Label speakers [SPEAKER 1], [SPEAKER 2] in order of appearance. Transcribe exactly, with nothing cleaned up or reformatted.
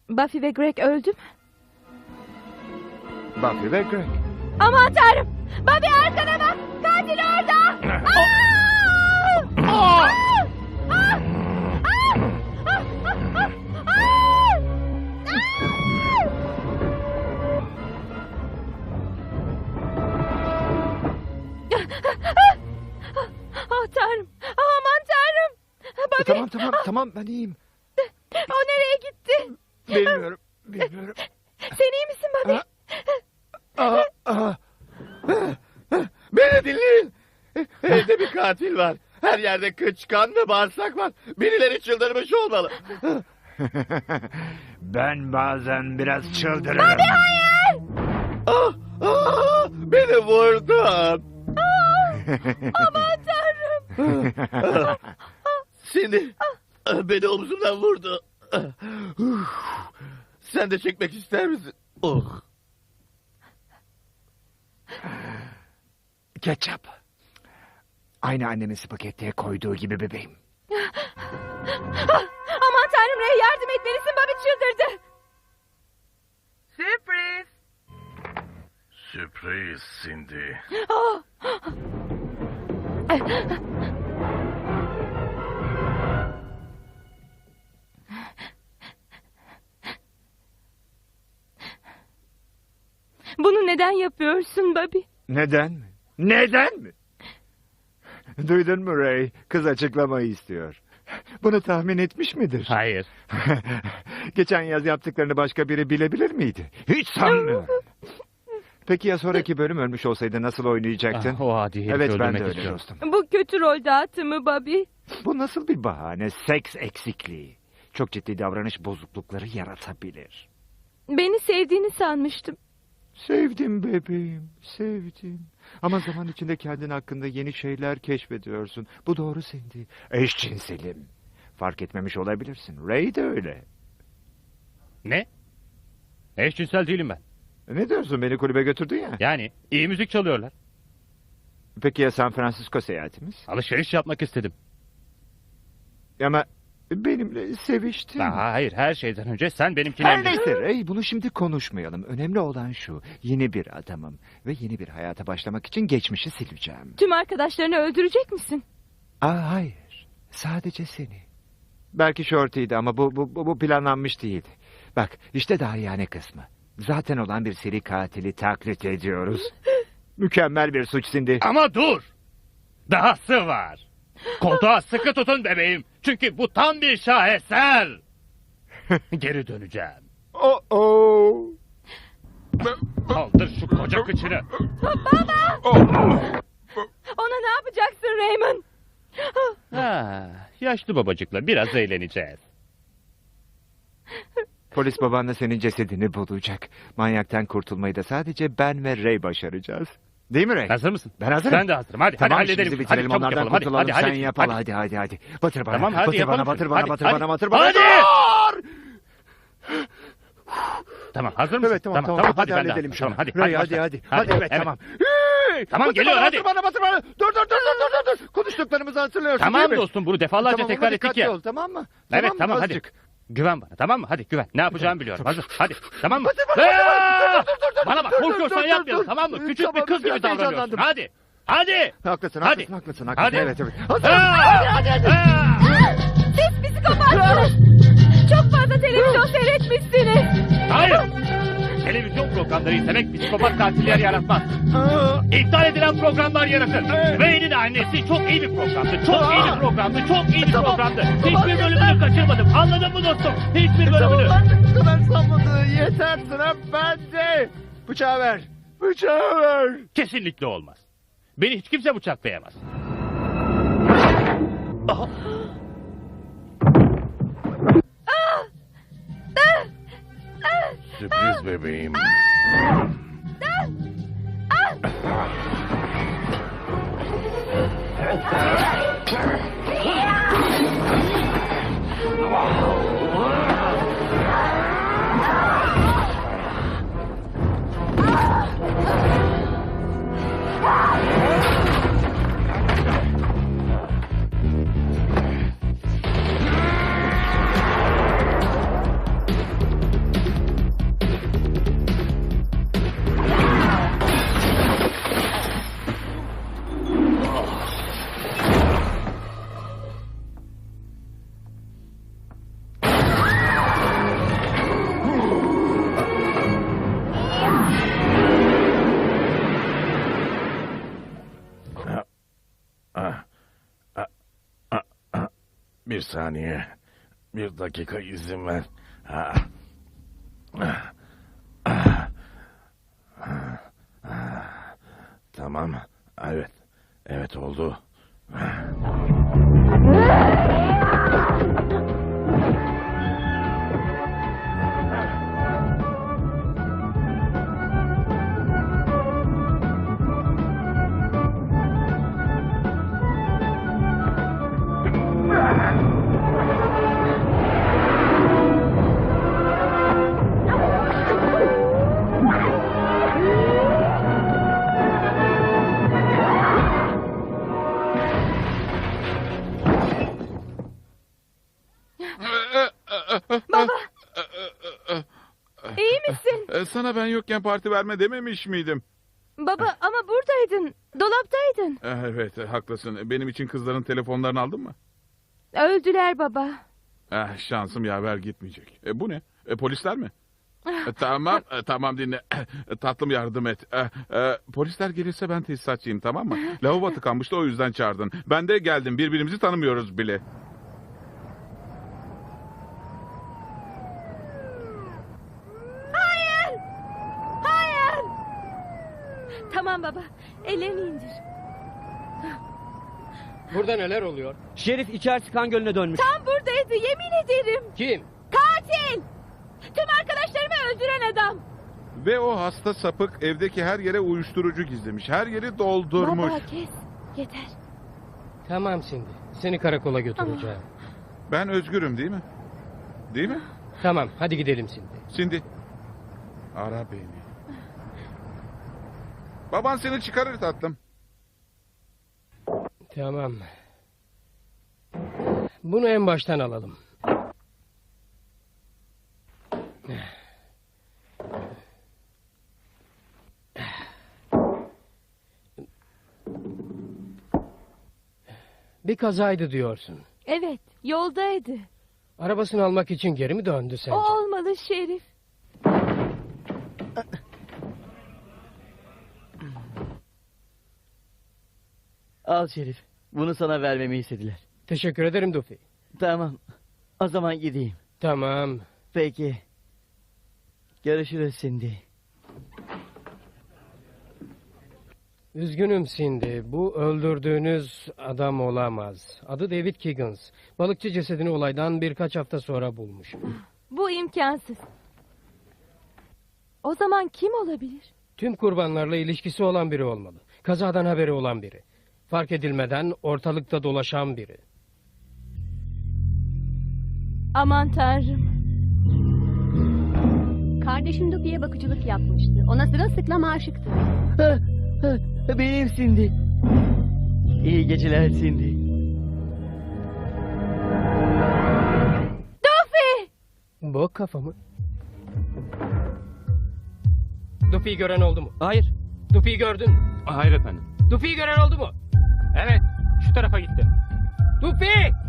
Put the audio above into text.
[SPEAKER 1] Buffy ve Greg öldü mü?
[SPEAKER 2] Buffy ve Greg.
[SPEAKER 1] Aman tanrım! Buffy arkana bak! Katil orada! Aa! Aa! Aa! Aa! Oh tanrım! Aman tanrım! Buffy!
[SPEAKER 2] Tamam tamam tamam ben iyiyim.
[SPEAKER 1] O nereye gitti?
[SPEAKER 2] Bilmiyorum. Bilmiyorum.
[SPEAKER 1] Sen iyi misin Buffy?
[SPEAKER 2] Aa, aa. Beni dinleyin. Evde bir katil var. Her yerde kıç, kan ve bağırsak var. Birileri çıldırmış olmalı.
[SPEAKER 3] Ben bazen biraz çıldırırım.
[SPEAKER 1] Buffy hayır!
[SPEAKER 2] Ah, ah, beni vurdun.
[SPEAKER 1] Aman tanrım!
[SPEAKER 2] Seni beni omzumdan vurdu. Sen de çekmek ister misin? Oh.
[SPEAKER 3] Ketçap. Aynı annemin spagettiye koyduğu gibi bebeğim.
[SPEAKER 1] Aman tanrım Ray, yardım etmelisin, Bobby çıldırdı.
[SPEAKER 4] Sürpriz.
[SPEAKER 5] Sürpriz Cindy.
[SPEAKER 1] Oh. Bunu neden yapıyorsun Bobby?
[SPEAKER 3] Neden mi? Neden mi? Duydun mu Ray? Kız açıklamayı istiyor. Bunu tahmin etmiş midir?
[SPEAKER 5] Hayır.
[SPEAKER 3] Geçen yaz yaptıklarını başka biri bilebilir miydi? Hiç sanmıyorum. Peki ya sonraki bölüm ölmüş olsaydı nasıl oynayacaktın?
[SPEAKER 5] Ah, o adi herifi
[SPEAKER 3] Evet ben de
[SPEAKER 5] öldürmek
[SPEAKER 3] öyle
[SPEAKER 5] istiyorum.
[SPEAKER 3] dostum.
[SPEAKER 1] Bu kötü rol dağıtımı Bobby.
[SPEAKER 3] Bu nasıl bir bahane? Seks eksikliği. Çok ciddi davranış bozuklukları yaratabilir.
[SPEAKER 1] Beni sevdiğini sanmıştım.
[SPEAKER 3] Sevdim bebeğim, sevdim. Ama zaman içinde kendin hakkında yeni şeyler keşfediyorsun. Bu doğru Cindy. Eşcinselim. Fark etmemiş olabilirsin. Ray de öyle.
[SPEAKER 5] Ne? Eşcinsel değilim ben.
[SPEAKER 3] Ne diyorsun, beni kulübe götürdün ya.
[SPEAKER 5] Yani iyi müzik çalıyorlar.
[SPEAKER 3] Peki ya San Francisco seyahatimiz?
[SPEAKER 5] Alışveriş yapmak istedim.
[SPEAKER 3] Ama benimle seviştin.
[SPEAKER 5] Aa, hayır, her şeyden önce sen benimkini...
[SPEAKER 3] Her neyse Ray, bunu şimdi konuşmayalım. Önemli olan şu. Yeni bir adamım. Ve yeni bir hayata başlamak için geçmişi sileceğim.
[SPEAKER 1] Tüm arkadaşlarını öldürecek misin?
[SPEAKER 3] Aa, hayır. Sadece seni. Belki Shorty'ydi ama bu, bu, bu bu planlanmış değildi. Bak işte daha yani kısmı. Zaten olan bir seri katili taklit ediyoruz. Mükemmel bir suç Cindy.
[SPEAKER 5] Ama dur! Dahası var. Koltuğa sıkı tutun bebeğim. Çünkü bu tam bir şaheser. Geri döneceğim.
[SPEAKER 3] Oh oh.
[SPEAKER 5] Kaldır şu koca kıçını.
[SPEAKER 1] Ona ne yapacaksın Raymond?
[SPEAKER 5] Ha, yaşlı babacıkla biraz eğleneceğiz.
[SPEAKER 3] Polis babanla senin cesedini bulacak. Manyaktan kurtulmayı da sadece ben ve Ray başaracağız. Değil mi Ray?
[SPEAKER 5] Hazır mısın?
[SPEAKER 3] Ben hazırım.
[SPEAKER 5] Ben de hazırım. Hadi,
[SPEAKER 3] Tamam,
[SPEAKER 5] hadi halledelim.
[SPEAKER 3] işimizi
[SPEAKER 5] Hadi
[SPEAKER 3] bitirelim,
[SPEAKER 5] çabuk
[SPEAKER 3] onlardan
[SPEAKER 5] yapalım. Hadi,
[SPEAKER 3] kurtulalım.
[SPEAKER 5] hadi,
[SPEAKER 3] Sen
[SPEAKER 5] hadi.
[SPEAKER 3] yap, hadi. hadi hadi hadi. Batır bana,
[SPEAKER 5] Tamam, hadi
[SPEAKER 3] batır
[SPEAKER 5] yapalım
[SPEAKER 3] bana, batır
[SPEAKER 5] şunu.
[SPEAKER 3] bana,
[SPEAKER 5] Hadi,
[SPEAKER 3] batır
[SPEAKER 5] hadi.
[SPEAKER 3] bana, batır bana.
[SPEAKER 5] Hadi!
[SPEAKER 3] Dur!
[SPEAKER 5] Tamam, hazır mısın?
[SPEAKER 3] Evet tamam tamam, hadi,
[SPEAKER 5] ben de
[SPEAKER 3] halledelim
[SPEAKER 5] hazırım.
[SPEAKER 3] şunu.
[SPEAKER 5] Tamam, hadi,
[SPEAKER 3] Ray,
[SPEAKER 5] hadi,
[SPEAKER 3] hadi
[SPEAKER 5] başla.
[SPEAKER 3] hadi. Hadi evet, tamam. Hey!
[SPEAKER 5] Tamam,
[SPEAKER 3] Batır
[SPEAKER 5] geliyor,
[SPEAKER 3] bana,
[SPEAKER 5] hadi.
[SPEAKER 3] Batır bana, batır bana. Dur dur dur dur dur dur. Konuştuklarımızı hatırlıyorsun
[SPEAKER 5] Tamam
[SPEAKER 3] değil mi?
[SPEAKER 5] dostum, bunu defalarca
[SPEAKER 3] Tamam,
[SPEAKER 5] tekrar
[SPEAKER 3] ama
[SPEAKER 5] ettik
[SPEAKER 3] dikkatli
[SPEAKER 5] ya.
[SPEAKER 3] ol, tamam mı?
[SPEAKER 5] Evet
[SPEAKER 3] mı?
[SPEAKER 5] tamam hadi.
[SPEAKER 3] Azıcık.
[SPEAKER 5] Güven bana, tamam mı? Hadi güven. Ne yapacağımı biliyorum. Hazır. Hadi. Tamam mı?
[SPEAKER 3] Batır bana, batır bana.
[SPEAKER 5] Aa!
[SPEAKER 3] Dur, dur, dur, dur.
[SPEAKER 5] Bana bak,
[SPEAKER 3] Dur, dur,
[SPEAKER 5] korkuyorsan
[SPEAKER 3] dur,
[SPEAKER 5] yapmayalım,
[SPEAKER 3] dur.
[SPEAKER 5] tamam mı? Küçük
[SPEAKER 3] Tamam,
[SPEAKER 5] bir kız gibi
[SPEAKER 3] biraz
[SPEAKER 5] davranıyorsun.
[SPEAKER 3] heyecanlandım.
[SPEAKER 5] Hadi. Hadi.
[SPEAKER 3] Haklısın,
[SPEAKER 5] Hadi.
[SPEAKER 3] haklısın, haklısın, haklısın.
[SPEAKER 5] Hadi.
[SPEAKER 3] Evet, evet. Hazır.
[SPEAKER 5] Aa!
[SPEAKER 3] Hadi, hadi, hadi.
[SPEAKER 5] Aa!
[SPEAKER 1] Siz psikopatsınız. Çok fazla televizyon seyretmişsiniz.
[SPEAKER 5] Hayır. Televizyon programları izlemek psikopat katiller yaratmaz. İptal edilen programlar yaratır. Wayne'in annesi çok iyi bir programdı. Çok iyi bir programdı. Çok iyi bir
[SPEAKER 3] Tamam.
[SPEAKER 5] programdı.
[SPEAKER 3] Tamam,
[SPEAKER 5] Hiçbir
[SPEAKER 3] yeter.
[SPEAKER 5] bölümünü kaçırmadım. Anladın mı dostum? Hiçbir
[SPEAKER 3] Tamam,
[SPEAKER 5] bölümünü.
[SPEAKER 3] artık bu kadar salladı. Yeter, sıra bende. Bıçağı ver. Bıçağı ver.
[SPEAKER 5] Kesinlikle olmaz. Beni hiç kimse bıçaklayamaz. Aha.
[SPEAKER 4] Sürpriz bebeğim.
[SPEAKER 2] Bir saniye. Bir dakika izin ver. Ha. Tamam. Evet. Evet oldu.
[SPEAKER 1] İyi misin?
[SPEAKER 4] E, Sana ben yokken parti verme dememiş miydim?
[SPEAKER 1] Baba ama buradaydın. Dolaptaydın.
[SPEAKER 4] E, Evet, e, haklısın. Benim için kızların telefonlarını aldın mı?
[SPEAKER 1] Öldüler baba.
[SPEAKER 4] Eh, şansım yaver gitmeyecek. E, bu ne? E, polisler mi? E, tamam, e, tamam dinle. E, tatlım yardım et. E, e, polisler gelirse ben tesisatçıyım, tamam mı? Lavabo tıkanmıştı, o yüzden çağırdın. Ben de geldim. Birbirimizi tanımıyoruz bile.
[SPEAKER 1] Hayır! Hayır! Tamam baba. Ellerini indir.
[SPEAKER 6] Burada neler oluyor?
[SPEAKER 7] Şerif içerisi kan gölüne dönmüş.
[SPEAKER 1] Tam buradaydı yemin ederim.
[SPEAKER 6] Kim?
[SPEAKER 1] Katil! Tüm arkadaşlarımı öldüren adam.
[SPEAKER 4] Ve o hasta sapık evdeki her yere uyuşturucu gizlemiş. Her yeri doldurmuş.
[SPEAKER 1] Baba kes. Yeter.
[SPEAKER 6] Tamam Cindy. Seni karakola götüreceğim.
[SPEAKER 4] Ben özgürüm değil mi? Değil mi?
[SPEAKER 6] Tamam hadi gidelim Cindy.
[SPEAKER 4] Şimdi ara beni. Baban seni çıkarır tatlım.
[SPEAKER 6] Tamam. Bunu en baştan alalım. Bir kazaydı diyorsun.
[SPEAKER 1] Evet yoldaydı.
[SPEAKER 6] Arabasını almak için geri mi döndü sence?
[SPEAKER 1] O olmalı Şerif.
[SPEAKER 7] Al Şerif. Bunu sana vermemi istediler.
[SPEAKER 6] Teşekkür ederim Duffy.
[SPEAKER 7] Tamam. O zaman gideyim.
[SPEAKER 6] Tamam.
[SPEAKER 7] Peki. Görüşürüz şimdi.
[SPEAKER 6] Üzgünüm Cindy. Bu öldürdüğünüz adam olamaz. Adı David Kiggins. Balıkçı cesedini olaydan birkaç hafta sonra bulmuş.
[SPEAKER 1] Bu imkansız. O zaman kim olabilir?
[SPEAKER 6] Tüm kurbanlarla ilişkisi olan biri olmalı. Kazadan haberi olan biri. Fark edilmeden ortalıkta dolaşan biri.
[SPEAKER 1] Aman tanrım.
[SPEAKER 8] Kardeşim Duffy'ye bakıcılık yapmıştı. Ona sırılsıklam aşıktı.
[SPEAKER 7] Benim Cindy. İyi geceler Cindy.
[SPEAKER 1] Duffy!
[SPEAKER 6] Bu kafamı. Duffy'yi gören oldu mu?
[SPEAKER 7] Hayır.
[SPEAKER 6] Duffy'yi gördün mü?
[SPEAKER 5] Hayır efendim.
[SPEAKER 6] Duffy'yi gören oldu mu?
[SPEAKER 5] Evet, şu tarafa gitti.
[SPEAKER 6] Duffy!